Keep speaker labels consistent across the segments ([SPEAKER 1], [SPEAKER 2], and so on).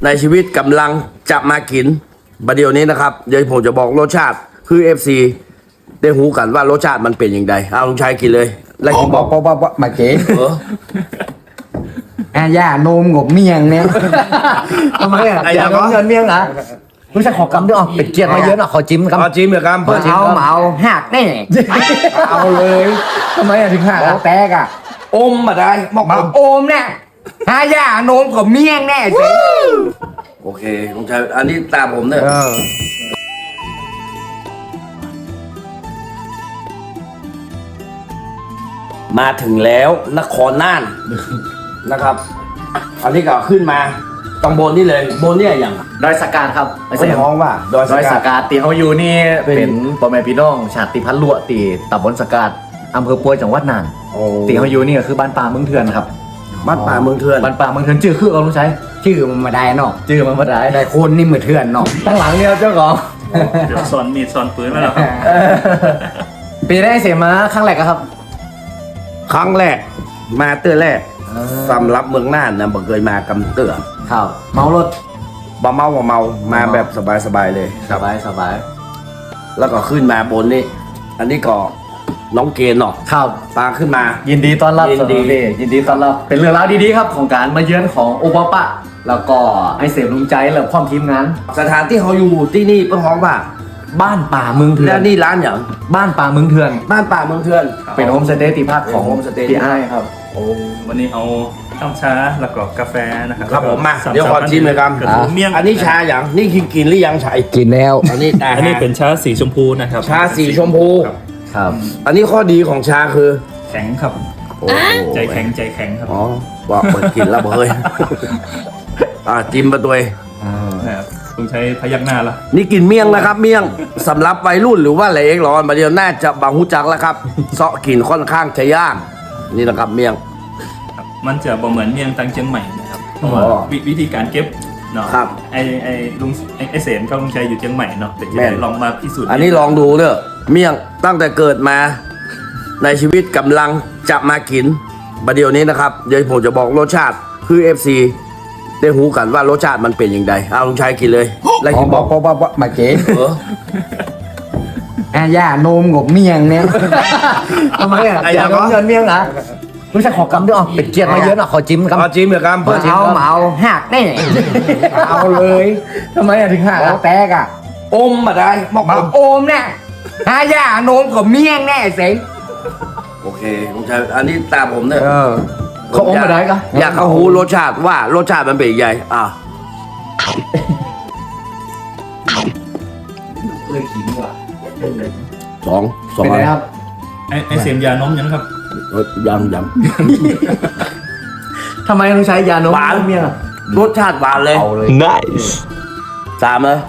[SPEAKER 1] ในชีวิตกำลังจะมากินประเดี๋ยวนี้นะครับเดี๋ยวผมจะบอกรสชาติคือ FC ได้หูกันว่ารสชาติมันเป็นอย่างไรเอาลุงชัยกินเลยแล้วกินบอก
[SPEAKER 2] มาเก๋
[SPEAKER 3] ย่านมงบเมียงเนี่ยทำไมอ่ะอย่านมเงินเมียงเหรอรู้จักขอกำด้วยอ๋อเป็ดเกียร์มาเยอะหน่อยขอจิ้มกำ
[SPEAKER 1] เอาจิ้มเหรอครับเพื่อนจิ้ม
[SPEAKER 3] เอาหักแน่เอาเลยทำไมอ่ะถึงหักแตกอ่ะ
[SPEAKER 1] อมมาได้บอก
[SPEAKER 3] มาโอมเนี่ยย่านมของเมียงแน่สิ
[SPEAKER 1] โอเคลุงชัยอันนี้ตามผมเนี่ยมาถึงแล้วนครน่านนะครับ อันนี้ก็ขึ้นมาตรงบนนี่เลยบนเนี่ยอย่าง
[SPEAKER 3] ดอยสกาดครับ
[SPEAKER 1] คนท้องว่าดอย
[SPEAKER 3] ดอย
[SPEAKER 1] ส
[SPEAKER 3] ส
[SPEAKER 1] กัด
[SPEAKER 3] กาดตีเขาอยู่นี่เป็นพ่อแม่พี่น้องชาติพันธุ์ลวตีตำบลสกาดอำเภอปัวจังหวัดน่าน
[SPEAKER 1] โอ้
[SPEAKER 3] ตีเขาอยู่นี่ก็คือบ้านป่าเมืองเถื่อนครับ
[SPEAKER 1] บ้านป่าเมืองเถื่อน
[SPEAKER 3] บ้านป่าเมืองเถื่อนชื่อคือเอาลุงชัย
[SPEAKER 2] ชื่อมันมาได้เนาะ
[SPEAKER 3] ชื่อมันมาได้
[SPEAKER 2] ได้คนนี่มือเถื่อนเนาะ
[SPEAKER 3] ตั้งหลังเนี่ยเจ้าของ
[SPEAKER 4] เดี๋ยวซ่อนมีดซ่อนปืนมาแล้วครับ
[SPEAKER 3] ปีได้เสียมาครั้งแรกอะครับ
[SPEAKER 1] ครั้งแรกมาเตื้อแรกสำหรับเมืองน่านนะบ่เคยมากำเตื้อ
[SPEAKER 3] ครับเมารถ
[SPEAKER 1] บ่เมามาแบบสบายๆเลย
[SPEAKER 3] สบายสบาย
[SPEAKER 1] แล้วก็ขึ้นมาบนนี่อันนี้ก็น้องเกณฑ์เนาะ
[SPEAKER 3] ครับ
[SPEAKER 1] ปลาขึ้นมา
[SPEAKER 3] ยินดีต้อนรับ
[SPEAKER 1] ยินดี
[SPEAKER 3] สำหรับยินดีต้อนรับเป็นเรื่องราวดีๆครับของการมาเยือนของโอปปะแล้วก็ไอเสพลุงใจและพร้อมทีมงาน
[SPEAKER 1] สถานที่เขาอยู่ที่นี่เพื่อห้องว่า
[SPEAKER 3] บ้านป่าเมืองเถื่อ
[SPEAKER 1] แล้
[SPEAKER 3] น
[SPEAKER 1] วนี่ร้านอย่าง
[SPEAKER 3] บ้านป่าเมืองเถื่อน
[SPEAKER 1] บ้านป่าเมืองเถื่อน
[SPEAKER 3] เป็นโฮมสเตย์ที่พักของ
[SPEAKER 1] เป็นโฮมสเตย์
[SPEAKER 3] พี่ไอ้ายครับ
[SPEAKER 4] วันนี้เอาข้าวชาแล้วก็กาแฟนะครับ
[SPEAKER 1] ครับผมมา
[SPEAKER 4] แล้วก็
[SPEAKER 1] เดี๋ยวขอชิมเลยครับ
[SPEAKER 4] กระทู้เมี่ยง
[SPEAKER 1] อันนี้ชาอย่างนี่กินหรือยังชัย
[SPEAKER 2] กินแล้ว
[SPEAKER 1] อันนี้
[SPEAKER 4] อันนี้เป็นชาสีชมพูนะครับ
[SPEAKER 1] ชาสีชมพู
[SPEAKER 4] ครับ
[SPEAKER 3] ครับ
[SPEAKER 1] อันนี้ข้อดีของชาคือ
[SPEAKER 4] แข็งครับ
[SPEAKER 1] โอ้
[SPEAKER 4] ใจแข็งใจแข็งครับ
[SPEAKER 1] อ๋อว่าเปิดกินแล้วเฮ้ยจิ้มมาตัวเอง
[SPEAKER 4] นะครับลุงใช้พยักหน้าละ
[SPEAKER 1] นี่กินเมี่ยงนะครับ เมี่ยงสำหรับวัยรุ่นหรือว่าอะไรเองหรอมาเดียวน่าจะบางหูจักแล้วครับเซาะกินค่อนข้างจะย่างนี่นะครับเมี่ยง
[SPEAKER 4] ครับมันจะบ่เหมือนเมี่ยงตังเชียงใหม่นะครับเพราะว่า
[SPEAKER 1] อ๋อ
[SPEAKER 4] วิธีการเก็บเนาะ
[SPEAKER 1] ครับ
[SPEAKER 4] ไอลุงไอเสนกับลุงชัยอยู่เชียงใหม่เนาะแต่จะ
[SPEAKER 1] แม่น
[SPEAKER 4] ได้ลองมาพิสูจน์
[SPEAKER 1] อันนี้ลองดูเด้อเมี่ยงตั้งแต่เกิดมา ในชีวิตกำลังจะมากินประเดี๋ยวนี้นะครับเดี๋ยวผมจะบอกรสชาติคือ FC ได้หูกันว่ารสชาติมันเป็นอย่างไรเอาลุงชัยกินเลยแล้วกินบอก
[SPEAKER 2] มาเก๋
[SPEAKER 1] เออ
[SPEAKER 2] ย่านมงบเมียงเนี่ยทำไมอ่ะ
[SPEAKER 1] ไอ้
[SPEAKER 3] อย่า
[SPEAKER 1] ยัง
[SPEAKER 3] นมเงินเมียงเหรอรู้จักขอกำด้วยอ๋อเป็ดเกียร์มาเยอะหน่อยขอจิ้มกำ
[SPEAKER 1] เอาจิ้มเหรอครับเพื่อนจิ้ม
[SPEAKER 2] เอาหักแน่เอาเลย
[SPEAKER 3] ทำไมอะถึงหักอะ
[SPEAKER 2] แตกอ่ะ
[SPEAKER 1] อมมาได้บอก
[SPEAKER 2] มาโอมเนี่ยย่านมของเมียงแน่สิ
[SPEAKER 1] โอเคลุงชัยอันนี้ตามผมเนี่ย
[SPEAKER 3] เขาอมมาได้ก็
[SPEAKER 1] อยากเขาหูรสชาติว่ารสชาติมันเป็นยังไง
[SPEAKER 3] เลยขิงว่ะ
[SPEAKER 1] สอง
[SPEAKER 3] เป็นไงครับ
[SPEAKER 4] ไอเสมยานมยังครับ
[SPEAKER 1] ยัง
[SPEAKER 3] ทำไมต้องใช้ยานม
[SPEAKER 1] หวาน
[SPEAKER 3] เมียงอะ
[SPEAKER 1] รสชาติหวานเลย
[SPEAKER 3] เอาเลย
[SPEAKER 1] สามเลย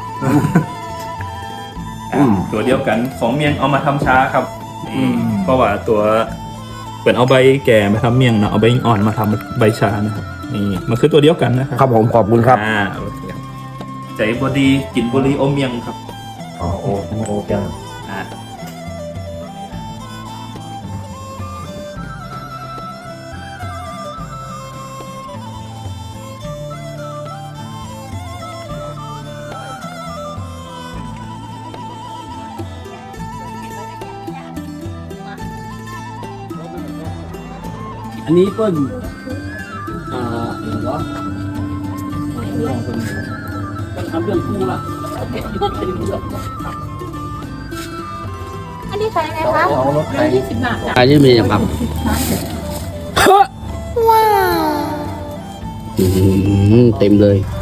[SPEAKER 1] อืม
[SPEAKER 4] ตัวเดียวกันของเมี่ยงเอามาทำชาครับนี่เพราะว่าตัวเปิดเอาใบแก่มาทำเมี่ยงเนาะเอาใบอ่อนมาทำใบชานะครับนี่มันคือตัวเดียวกันนะครับ
[SPEAKER 1] ครับผมขอบคุณครับ
[SPEAKER 4] โอเคครับใจบดีกินบุรีอมเมี่ยงครับ
[SPEAKER 3] อ๋อโอ้โหจัง
[SPEAKER 4] อ่า
[SPEAKER 1] อันนี้เปิ้ลเดี๋ยววะทำเรื่องคู่ละ
[SPEAKER 5] อันนี้ใส่ไงคะ20 บาทจ้ะ
[SPEAKER 1] อันนี้มีอย่างครับ
[SPEAKER 5] ว้าว
[SPEAKER 1] เต็มเลย